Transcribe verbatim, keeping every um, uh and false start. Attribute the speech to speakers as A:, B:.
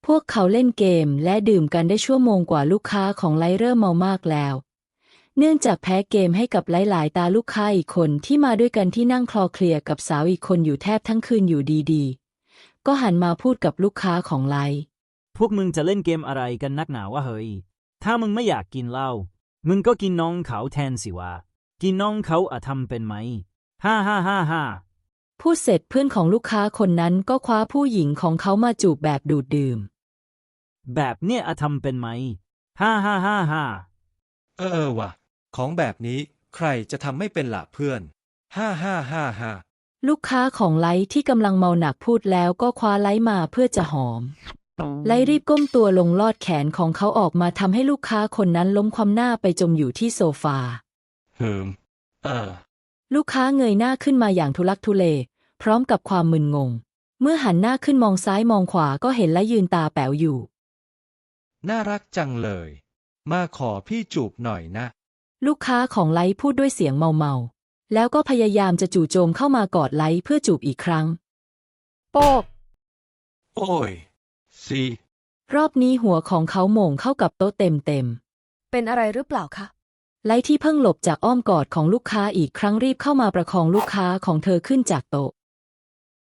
A: พวกเขาเล่นเกมและดื่มกันได้ชั่วโมงกว่าลูกค้าของไลเริ่มเมามากแล้วเนื่องจากแพ้เกมให้กับหลายๆตาลูกค้าอีกคนที่มาด้วยกันที่นั่งคลอเคลียร์กับสาวอีกคนอยู่แทบทั้งคืนอยู่ดีๆก็หันมาพูดกับลูกค้าของไล
B: พวกมึงจะเล่นเกมอะไรกันนักหนาวะเฮ้ยถ้ามึงไม่อยากกินเหล้ามึงก็กินน้องเขาแทนสิวะกินน้องเขาอะทำเป็นไหมฮ่าฮ่าฮ่าฮ่า
A: พูดเสร็จเพื่อนของลูกค้าคนนั้นก็คว้าผู้หญิงของเขามาจูบแบบดูดดื่ม
B: แบบเนี้ยอะทำเป็นไหมฮ่าฮ่าฮ่าฮ่า
C: เออว่ะของแบบนี้ใครจะทำไม่เป็นล่ะเพื่อนฮ่าฮ่าฮ่าฮ่า
A: ลูกค้าของไลท์ที่กำลังเมาหนักพูดแล้วก็คว้าไลท์มาเพื่อจะหอมไลท์รีบก้มตัวลงลอดแขนของเขาออกมาทำให้ลูกค้าคนนั้นล้มคว่ำหน้าไปจมอยู่ที่โซฟา
C: เฮิมเออ
A: ลูกค้าเงยหน้าขึ้นมาอย่างทุลักทุเลพร้อมกับความมึนงงเมื่อหันหน้าขึ้นมองซ้ายมองขวาก็เห็นและยืนตาแป๋วอยู่
C: น่ารักจังเลยมาขอพี่จูบหน่อยนะ
A: ลูกค้าของไลท์พูดด้วยเสียงเมาๆแล้วก็พยายามจะจู่โจมเข้ามากอดไลท์เพื่อจูบอีกครั้งโป๊ก
C: โอ้ยสิ
A: รอบนี้หัวของเขาโหม่งเข้ากับโต๊ะเต็มเต็ม
D: เป็นอะไรหรือเปล่าคะ
A: ไลท์ที่เพิ่งหลบจากอ้อมกอดของลูกค้าอีกครั้งรีบเข้ามาประคองลูกค้าของเธอขึ้นจากโต๊ะ